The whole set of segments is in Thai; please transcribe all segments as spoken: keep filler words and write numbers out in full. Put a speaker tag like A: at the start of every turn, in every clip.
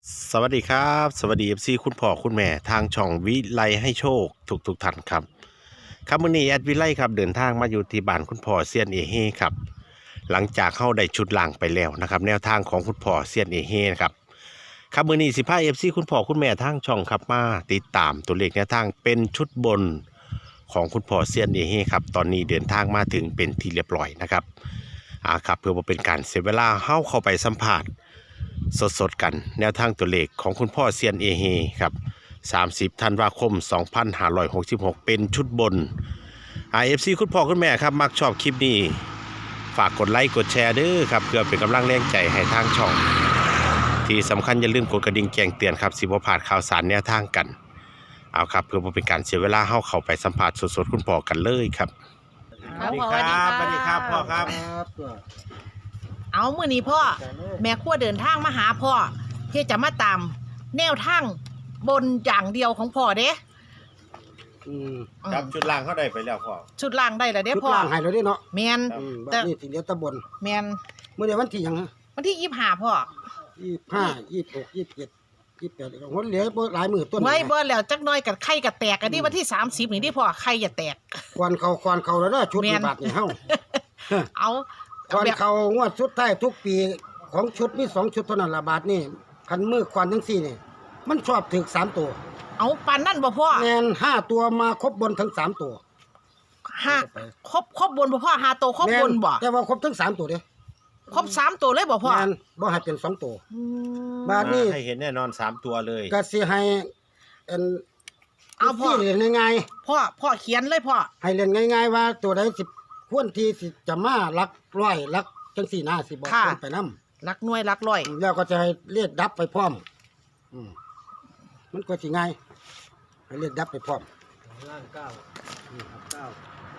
A: สวัสดีครับสวัสดีเอฟซีคุณพ่อคุณแม่ทางช่องวิไลให้โชคทุกทุกท่านครับครับมื้อนี้แอดวิไลครับเดินทางมาอยู่ที่บ้านคุณพ่อเซียนเอเฮครับหลังจากเข้าได้ชุดล่างไปแล้วนะครับแนวทางของคุณพ่อเซียนเอเฮนะครับครับมื้อนี้สิพาเอฟซีคุณพ่อคุณแม่ทางช่องครับมาติดตามตัวเลขแนวทางเป็นชุดบนของคุณพ่อเซียนเอเฮครับตอนนี้เดินทางมาถึงเป็นที่เรียบร้อยนะครับอ่าครับเพื่อว่าเป็นการเสียเวลาเข้าเข้าไปสัมผัสสดๆกันแนวทางตัวเลขของคุณพ่อเซียนเอเฮครับสามสิบธันวาคมสองพันห้าร้อยหกสิบหกเป็นชุดบน ไอ เอฟ ซี คุณพ่อคุณแม่ครับมักชอบคลิปนี้ฝากกดไลค์กดแชร์ด้วยครับเพื่อเป็นกำลังแรงใจให้ทางช่องที่สำคัญอย่าลืมกดกระดิ่งแจ้งเตือนครับสิบ่พลาดข่าวสารแนวทางกันเอาครับเพื่อบ่เป็นการเสียเวลาเฮาเข้าไปสัมภาษณ์สดๆคุณพ่อกันเลยครับ
B: สวัสดีครับสวัสดีครับพ่อครับ
C: เอามื้อนี้พ่อแม่ครัวเดินทางมาหาพ่อที่จะมาตามแนวทางบนอย่างเดียวของพ่อเด้
B: อืม
C: อืม
A: ครับชุดล่างเขาได้ไปแล้วพ่อ
C: ชุดล่างได้แล้วเด้
B: ชุด
C: พ่อ
B: ล่างให้เราได้เนาะ
C: แมน
B: อืม
C: แต่
B: บัดนี้สิเหลือแตะบน
C: แมน
B: เมื่อเดือนวันที่หยังฮะ
C: วันที่ยี่สิบห้าพ่อ
B: ยี่สิบห้า ยี่สิบหก ยี่สิบเจ็ด ยี่สิบแปดอีกคนเหลือบ่หลายมื้อต้น
C: ไว้บ่แล้วจักหน่อยกับไข่กับแตกอันนี้วันที่สามสิบนี่ที่พ่อไข่อย่าแตก
B: ควันเขาควันเขาแล้วเด้อชุด
C: แม่
B: นี้
C: น
B: บาทนี่เฮา
C: เอา
B: ควัน
C: แบบ
B: เขางวดสุดท้ายทุกปีของชุดมีสองชุดเท่านั้นละบาทนี่คันมือควันทั้งสี่นี่มันชอบถึกสามตัว
C: เอาปานนั่นบ่พ่อ
B: แม่นห้าตัวมาครบบนทั้งสามตัว
C: ห้าครบครบบนบ่พ่อหาโตวครบบนบ่
B: แม่แต่ว่าครบทั้งสามตัวเด้
C: ครบสามตัวเลยบ่พ่อ
B: แม่นบ่ให้เป็นสองตัว
C: อืม
B: บาทนี่
A: ให้เห็นแน่นอนสามตัวเลย
B: ก็สิให้อัน
C: เอาพ่อ
B: ที่เรียนง่ายๆ
C: พ่อพ่อเขียนเลยพ่อ
B: ให้เล่นง่ายๆว่าตัวใดสิควรที่สิจะมาลักร้อยลักจังสี่หน้าสิบอกคนไปนำ
C: รักหน่วยรักร้อย
B: แล้วก็จะให้เลียดดับไปพร้อม อืมมันก็สิง่ายให้เลียดดับไปพร้อมล่างเก้าเก้า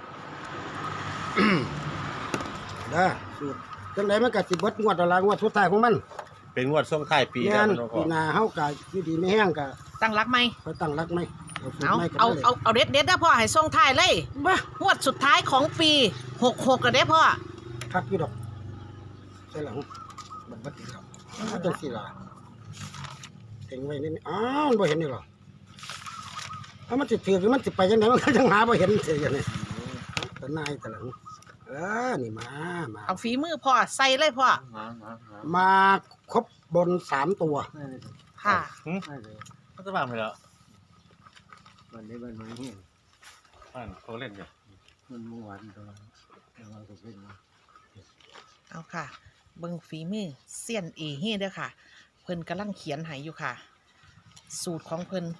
B: ได้สูตรจังไดมันก็สิเบิดงวดอะไรงวดสุดท้ายของมัน
A: เป็นงวดส่งท้ายปี
B: งาน
A: แล้ว
B: ปีหน้าเฮาก็อยู่ดีไม่แห้งก็
C: ตั้งรักไหม
B: ค่อยตั้งรักไหมเอาสูตร
C: เอา
B: ใหม่กัน
C: เอา
B: เลย
C: เอาเอาเด็ดเด็ดนะพ่อให้ส่งท้ายเลย
B: บ้าง
C: วดสุดท้ายของปีหกหกกันเด้พ่อ
B: คักอยู่ดอกใช่หลังมันบ่ติดครับถ้าจังสี่ล่ะเต็งไว้นี่อ้าวมันบ่เห็นนี่หรอถ้ามันสิถือคือมันสิไปจังไดมันก็จังหาบ่เห็นเสียอย่างนี้ตะนายตะหลังเออนี่มามา
C: เอาฝีมือพ่อใส่เลยพ่อ
B: มาครบบนสามตัว
C: ค่ะ
A: เขาจะวางไปแล้ว
D: วันนี้วันนี้
A: อ่านเขาเล่นอยู่
D: มันเมื่อวานตอนเราก็เป็นมา
C: เอาค่ะ เบิ่งฝีมือเสี้ยนเอเฮ่เด้อค่ะ เพิ่นกำลังเขียนให้อยู่ค่ะ สูตรของเพิ่น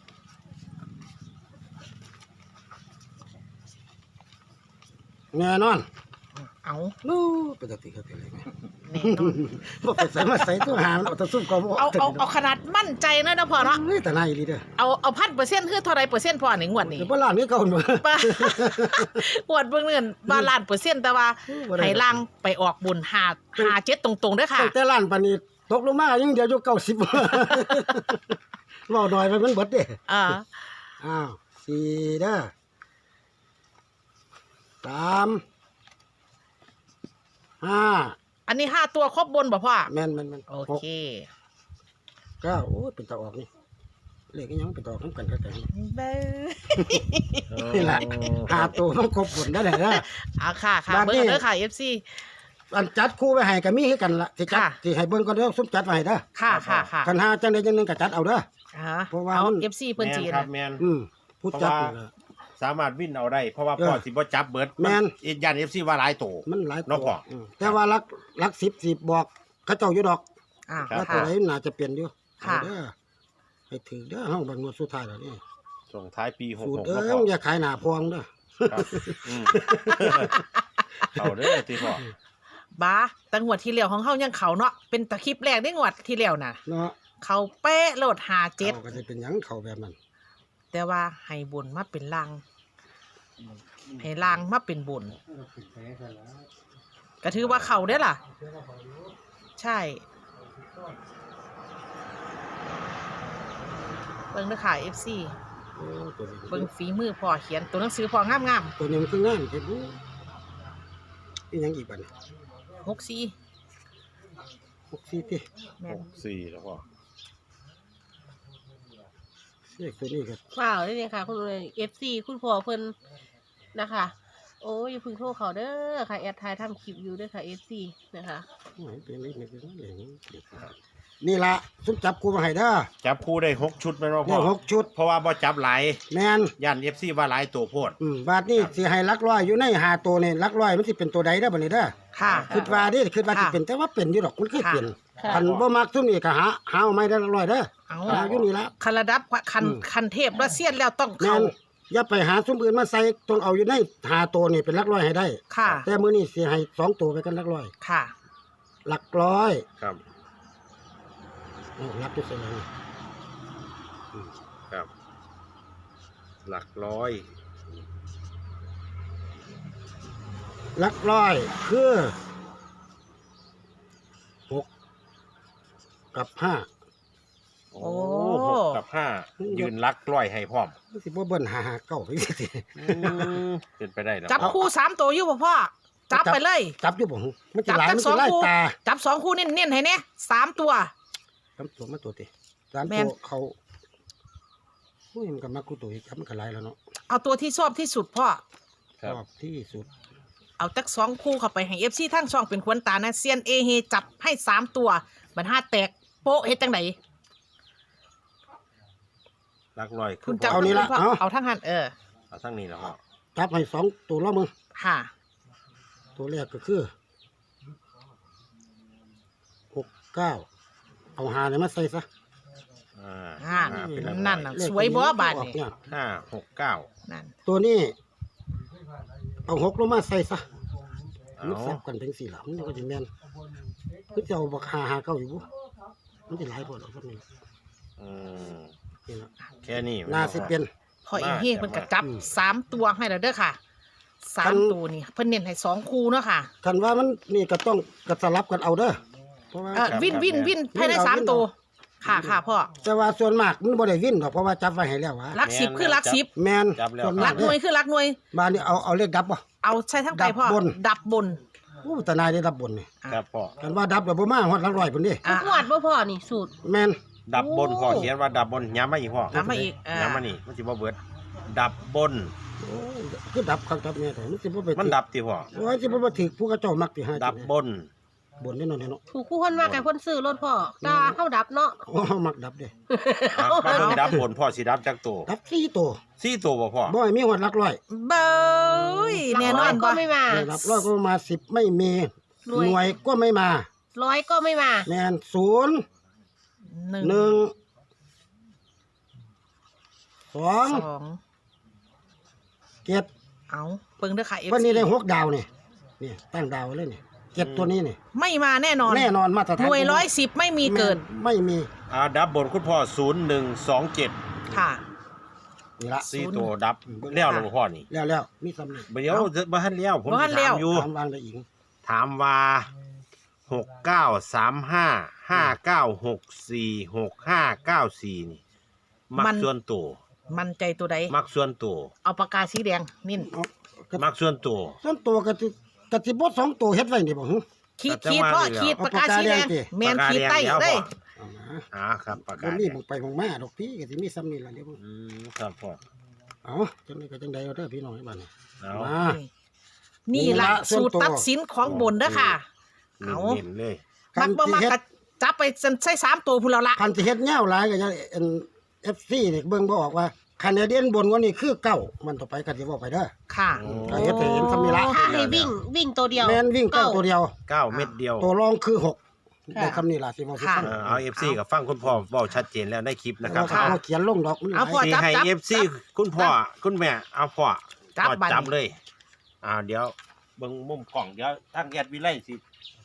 B: แน่นอน
C: เอา
B: นู้ไปตะติเขาเป็นไรไหม
C: แน่นอน
B: บ่ไปใส่มาใส่ตัวหามันเอาแตะซุ่มก็บ่
C: เอาเอาเอาขนาดมั่นใจเนอะนะพ่อเนาะ
B: เฮ้ยตะนายอีหลีเด้อ
C: เอาเอาพันเปอร์เซ็นต์คือเท่าไรเปอร์เซ็นต์พ่อในงวดนี้
B: เดี๋ยวบ่ล้านนี้เก่าหนบ่
C: ป้า งวดเบิ่งเงินบาลานเปอร์เซ็นต์แต่ว่า
B: บ่ได้
C: ให้ล่างไปออกบุญหาหาเจ็ดตรงๆเด้อค่ะ
B: ตั้งแต่ล้านปานนี้ตกลงมายังเดียวอยู่เก้าสิบ เว้าน้อยไปมันเบิดเด้
C: อ่า
B: อ้าวสี่เด้อสามห้า
C: อันนี้ห้าตัวครบบนบ่พ่อ
B: แม่นแม่นแม่น
C: โอ
B: หก
C: เค
B: เก้าโอ้ยเป็นตาออกนี่เลขอีหยังเป็นตาออกน้ำกันกันกัน
C: เบ้อ
B: นี่แหละหาตัวมันครบผลได้เลยนะ
C: เอาค่ะค่ะ
B: บัดนี้
C: เบิ่งเด้อค่ะ เอฟ ซี
B: อันจัดคู่ไว้ให้ก็มีคือกันละที่จัด
C: ค่ะ
B: ที่ให้เบิ่งก็เด้อซุมจัดไว้ให้เด้อ
C: ค่ะค่ะค่ะ
B: คันหาจังใดจังหนึงก็จัดเอาเด้อ
C: อ่า
B: เพราะว่า
C: เอา
B: มัน
C: เอฟ ซี เพิ่นจี
A: แม
C: น
A: นครับ
C: น่ะ
A: แมน
B: อืมผู้จัด
A: เพราะว่า
B: นี่ล่ะ
A: สามารถวิ่นเอาได้ เพราะว่า
B: เออ
A: พ่อสิบ่จับเบิร์ด
B: แม่น
A: อีกยันเอฟซีว่าหลายโต
B: มันหลาย
A: เนาะพ่อ
B: อืมแต่ว่ารักรักสิบสิบบอกเขาเจ้าอยู่ดอก
C: อ่า
B: ว่าตั
C: ค่ะ
B: วไหนน่าจะเปลี่ยนอยู่
C: ค่ะ
B: เอาเด้อให้ถือเด้อเฮาบังงวดสุดท้ายแล้วนี่
A: ส่งท้ายปีหก
B: สูต
A: ห
B: ร
A: ก
B: เด้
A: พ่
B: อ
A: อ
B: อย่าขายหน้าพวงเด้อ
A: ครับอืม เอาเด้อที่พ่อ
C: บ้าแต่งวดที่แล้วของเฮายังเขาเนาะเป็นตะคลิปแรกได้งวดที่แล้วน่ะ
B: เนาะ
C: เขาเป๊ะโหลดหาเจ็ด
B: เขาก็สิเป็นหยังเขาแบบนั้น
C: แต่ว่าให้บุญมาเป็นลางให้ลางมาเป็นบุญ
D: ปิดแผลกันแล้ว
C: ก็ถือว่าเขาได้อล่ะ ใช่เบิ่งเด้อค่ะ เอฟ ซี
B: โอ้ตัวนี้
C: เบิ่งฝีมือพ่อเขียนตัวหนังสือพ่องาม
B: ตัวนี้มันคืองานเฮ็ดบ่อีหยังอีกบัดนี้
C: ๆหกสี่
B: หกสี่ติ
C: แม่
A: ห
C: น
A: กสี่แล้วพ่อ
B: เลขตัวนี้ก็
E: ว้าวนี่ค่ะ คุณเอฟซีคุณพ่อเพิ่นนะคะโอ้ยอย่าเพึ่งโทรเขาเด้อค่ะแอดทายทำคลิปอยู่เด้อค่ะเอฟซีนะคะ
B: โอ้ยเป็นเลขนี่เป็นเลขนี้นี่ละซุปจับกูมาให้เด้อ
A: จับคู่ได้หกชุดแม่นบ่พ่
B: เนี่
A: อย
B: หกชุด
A: เพราะว่าบ่จับหลาย
B: แมน
A: ย่าน เอฟ ซี ว่าหลายตัวโพด
B: อืมบาทนี่สิให้หลักร้อยอยู่ในหาตัวนี่หลักร้อยมันสิเป็นตัวใดเด้อบัดนี้เด้อ
C: ค่ะ
B: คิดว่าเดิคิดว่าสิ
C: ค่ะ
B: เป็นแต่ว่าเป็นอยู่ดอกมันเคยเป็น
E: ค่ะ
B: คันบ่มักซุมนี่ก็หาหาเอาไม่ได้หลักร้อยเด้อ
C: เอา
B: หาอยู่นี่ละ
C: คันระดับคัน
B: อืม
C: คันเทพและเซียนแล้วต้อง
B: แม่
C: เข้าน
B: อย่าไปหาซุมอื่นมาใส่ต้องเอาอยู่ในหาตัวนี่เป็นหลักร้อยให้ได้
C: ค่ะ
B: แต่มื้อนี้สิให้สองตัวไปกันหลักร้อย
C: ค่ะ
B: หลักร้อย
A: ครับ
B: โอ้หลักอยู่ไสแล้วนี่
A: ครับ หลักร้อย
B: หลักร้อยคือหกกับห้า
A: โอ้
C: โอ้
A: หกกับห้ายืนลักร้อยให้พร้อม
B: มันสิบ่เบิ่นหาหาเก้าไปสิ
A: อืมเป็นไปได้แล้ว
C: จับคู่สามตัวอยู่บ่พ่อ จับไปเลย
B: จับอยู่บ่หึมันจะ
C: จับ
B: หลาย
C: ทั้
B: มั
C: ง
B: น
C: สอ
B: จะ
C: ง
B: ไล่
C: คู่
B: ตา
C: จับสองคู่เน้นๆให้เนี่ยสามตัว
B: สามตัวมาตัวติสาม
C: แม่
B: ตัวน เขาอุ้ยมันก็มากูตัวอีกครับมันก็หลายแล้วเนาะ
C: เอาตัวที่ชอบที่สุดพ่อ
B: ชอบที่สุด
C: เอาจักสองคู่เข้าไปให้เอฟซีทั้งช่องเป็นควนตานะเซียนเอเฮจับให้สามตัวบันห้าแตกโป๊ะเฮ็ดจังไหน
A: ลักร้อย
C: คุณจับ
B: เอานี่ละ
C: พ่อ
B: เอา
C: เอาทั้งหันเออ
A: เอาทั้งนี้แล้วพ่อ
B: จับให้สองตัวแล้วมึง
C: ค่ะ
B: ตัวแรกก็คือหกเก้าเอาหาเนี่ยมาใส่ซะ
A: อ่า
C: อ่า
A: ห้าเป็นหลักร้อย
C: นั่นน่ะ สวยบ่บาดนี่
B: เนี่ย
A: ห้าหกเก้า
C: นั่น
B: ตัวนี้ เอาหกลงมาใส่ซะ
A: เอา
B: มันสับกันเป็นสี่หลังมันก็จะแม่นคือจะเอาบักหาหาเก้าอยู่บุมันจะหลายพอหรอกพวกนี้
A: อืม
B: นี่ละ
A: แค่นี้
B: น่าสิเป็น
C: พอเอเฮเพิ่นก็จับ
B: อืม
C: สามตัวให้แล้วเด้อค่ะสา
B: คั
C: ม
B: น
C: ตัวนี่เพิ่นเน้นให้สองคู่เนาะค่ะ
B: คันว่ามันนี่ก็ต้องกระสลับกันเอาเด้อเพราะว่า
C: เออวินวินวินภายในสามตัวค่ะค่ะพ่อ
B: แต่ว่าส่วนมากมันบ่ได้วินดอกเพราะว่าจับไว้ให้แล้ววะ
C: ลักสิบคือลักสิบ
B: แมน
A: จับแล้ว
B: ส่วน
C: ลั
B: มาก
C: กหน่วย
B: เด้อ
C: คือลักหน่วย
B: บ้านนี้เอาเอาเลขดับบ่
C: เอาใช้ทั้งไก่พ่อ
B: ดับบน
C: ดับบน
B: อู้แต่นายได้ดับบนนี่
A: ครับพ่อ
B: กันว่าดับแล้วบ่มาฮอดหลักร้อยพุ่นดิ
C: อ่ะ
E: ทุกงวดบ่พ่อนี่สูตร
B: แม่น
A: ดับบนพ่อเขียนว่าดับบนย้ำมาอีกพ่อ
C: น้ำมาอีกอ่า
A: ย้ำมานี่มันสิบ่เบิด ดับบน
B: โอ้คือดับครับดับแม่แต่มันสิบ่ไป
A: มันดับติพ่อ
B: โอ้ยสิบ่มาถึกผู้กระเจ้ามักสิหา
A: ดับบน
B: บนแน่นอนเนาะ
E: ถูกคู่คนมากกับคนซื้อรถพ่อตาเข้าดับเนาะ
B: โอ้มักดับเด้
A: อ่ะมาเบิ่งดับบนพ่อสิดับจักตัว
B: ดับสี่ตัว
A: สี่ตัวบ่พ่อ
B: บ่ให้มีฮอดหลักร้อย
C: เบ้ยแน่นอน
E: ก็
C: บ่
E: ไม่มา
B: ได้หลักร้อยก็มาสิบไม่มี
E: หน่วย
B: หน่วยก็ไม่มา
E: ร้อยก็ไม่มา
B: แม่นศูนย์
C: หนึ่ง
B: หนึ่งสอง
C: สอง
B: เจ็ด
C: เอาเบิ่งเด้อค่ะ เอฟ
B: วันนี้
C: ซี
B: ได้หกดาวนี่นี่ตั้งดาวไว้เลยนี่เจ็ดตัวนี้นี่
C: ไม่มาแน่นอน
B: แน่นอนมาตรฐาน
C: หน่วยร้อยสิบไม่มีเกิน
B: ไม่มี
A: อ่าดับบนคุณพ่อศูนย์หนึ่งสองเจ็ด
C: ค่ะ
B: นี่ละ
A: สี่ตัวดับแล้วแล้วบ่พ่อนี่
B: แล้วแล้วมีสำเร็จ
A: เดี๋ยวบ่ทันแล้วผม
C: บ่ทันแล้ว
A: ถามอยู่
B: ถามวางได้อีก
A: ถามว่าหกเก้าสามห้าห้าเก้าหกสี่หกห้าเก้าสี่นี่ มัก
C: มัน
A: ส่วนตัว
C: มันใจตัวใด
A: มักส่วนตัว
C: เอาปากกาสีแดงนิ่น
B: เอากระ
A: มักส่วนตัว
B: ส่วนตัวกะสิกะสิบ่สองตัวเฮ็ดไว้นี่บ่หึ
C: ขีด
A: แต่
C: ขีด
A: ว่า
C: พ่อ
A: นี่แล้ว
C: ขีดปากกาสีแดง
B: เอาปากกาแดงสิ
C: แมนขีดใต้เลย
B: เอามา
A: อ่าครับประ
B: บ่
A: กาศ
B: มีบ่งไปบ่งมาดอกพี่ก็สิมีซ้ำนี่ล่ะเดี๋ยว
A: อืมครับพ่อ
B: เอาจังได๋ก็จังได๋เอาเด้อพี่น้องให้บ้านนี่
A: เอา
B: มา
C: นี่ละ
B: นี่ละส่
C: สู
B: วน
C: ตร
B: ตัว
C: ตัดสินของบนเด้อค่ะ เอา
A: เน้นๆเลย
C: มักบ่มักก็จับไปใส่สามตัวพุ่นแล้วละ
B: คันสิเฮ็ดแนวหลายก็จะเอ็น เอฟ ซี นี่เบิ่งบ่ออกว่าคะแนนเด่นบนกว่านี้คือเก้ามันต่อไปก็สิเว้าไปเด้อ
C: ค่ะ
B: ก็เฮ็ดให้เห็นคำนี้ละ
E: ถ้าให้วิ่งวิ่งตัวเดียว
B: แม่นวิ่งเก้าตัวเดียว
A: เก้าเม็ดเดียว
B: ตัวรองคือหก
E: ค่ะ
B: ได้คำนี้ล่ะสิเว้าสิฟัง
A: เออเอา เอฟ ซี กับฟังคุณพ่อเว้าชัดเจนแล้วในคลิปนะครับ
B: เอาเอาเขียนลงดอกมันหลา
C: เอา
B: ย
C: พอ
A: สิ
C: จับ
A: ให้
C: จับ
A: เอฟ ซี
C: จับ
A: คุณพ่อคุณแม่เอาพ่อ
C: จับ
A: พ่อ
C: บัด
A: จับเลยอ่าเดี๋ยวเบิ่งมุมกล่องเดี๋ยวทางแอดวิไลสิ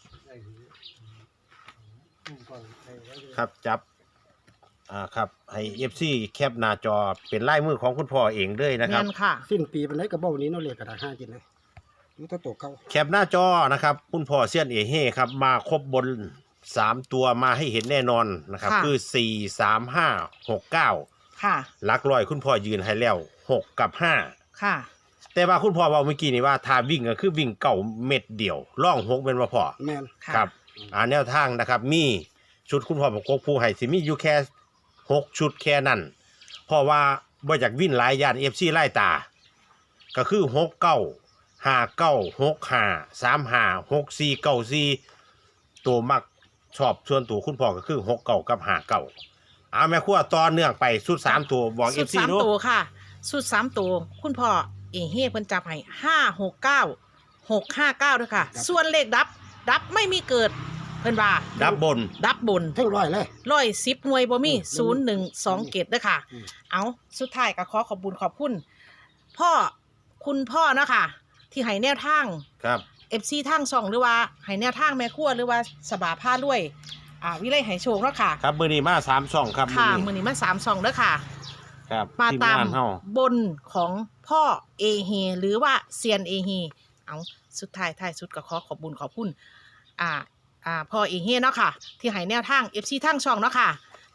A: ครับจับอ่าครับให้ เอฟ ซี แคปหน้าจอเป็นลายมือของคุณพ่อเองเลยนะค
C: แม่
A: รับ
C: นค่ะ
B: สิ้นปีปานใดก็เบ้านี้เนาะเลขกระดาษห้ากินเลยอยู่ตัวโตเก่า
A: แคปหน้าจอนะครับคุณพ่อเซียนเอเฮ่ครับมาครบบนสามตัวมาให้เห็นแน่นอนนะครับ
C: ค่ะ
A: คือสี่สามห้าหกเก้า
C: ค่ะ
A: หลักร้อยคุณพ่อยืนให้แล้วหกกับห้า
C: ค่ะ
A: แต่ว่าคุณพ่อบอกเมื่อกี้นี่ว่าถ้าวิ่งก็คือวิ่งเก่าเม็ดเดียวล่องหกเป็นว่าพ่อ
B: แม่น
C: ค่ะ
A: ครับอ่าแนวทางนะครับ มีชุดคุณพ่อบอกกผู้ให้สิมีอยู่แค่หกชุดแค่นั้น พราะว่าบ่อยากวิ่นหลายยาน เอฟ ซี ไล่ตา ก็คือหกเก้า ห้าเก้า หกห้า สามห้า หกสี่ เก้าสี่ตัวมักชอบส่วนตัวคุณพ่อก็คือหกเก้ากับห้าเก้าเอาแม่ครัวต่อเนื่องไปสุดสามตัวบอก
C: สุ
A: เอ
C: ด
A: ฟ ซี
C: สาม
A: ดู
C: ตัวค่ะ สุดสามตัวคุณพ่อเอเฮ่เพิ่นจับให้ห้าหกเก้าหกห้าเก้าด้วยค่ะ ส่วนเลขดับ ดับไม่มีเกิด เพิ่นว่า
A: ดับบน
C: ดับบน
B: ทั้งร้อยเลย
C: ร้อยสิบหน่วยบ่มี
B: อืม
C: ศูนย์หนึ่งสองเกตด้วยค่ะ
B: อืม
C: เอาสุดท้ายก็ขอขอบคุญขอบคุณ พ่อคุณพ่อเนาะค่ะ ที่ให้แนวทาง
A: ครับ
C: เอฟซีทางช่องหรือว่าให้แนวทางแม่ครัวหรือว่าสบาผ้าด้วย อ่าวิไลให้โชคเนาะค่ะ
A: ครับมือนี้มาสามช่องครับ
C: ค่ะ
A: มื้
C: มื
A: อ
C: อ
A: นี้
C: นี้มาสามช่องเด้อค่ะ
A: ครับ
C: มา
A: ที
C: ตาม
A: งานเฮา
C: บนของพ่อเอเฮหรือว่าเซียนเอเฮเอาสุดท้ายท้ายสุดก็ขอขอบบุญขอบคุณอ่าอ่าพ่อเอเฮเนาะค่ะ ที่ให้แนวทางเอฟซีทางช่องเนาะค่ะ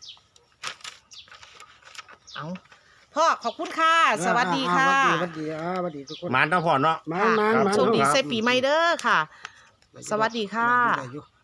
C: เอาพ่อขอบคุณค่ะ สวัสดีค่ะ
B: อ่าสวัสดีอ่าสวัสดีทุกคน
A: หมานทั้งพ่อเนาะ
B: มามามา
C: โชคดี
A: ครับ
C: เซปีใหม่เด้อค่ะ สวัสดีค่ะ
B: ได้อยู่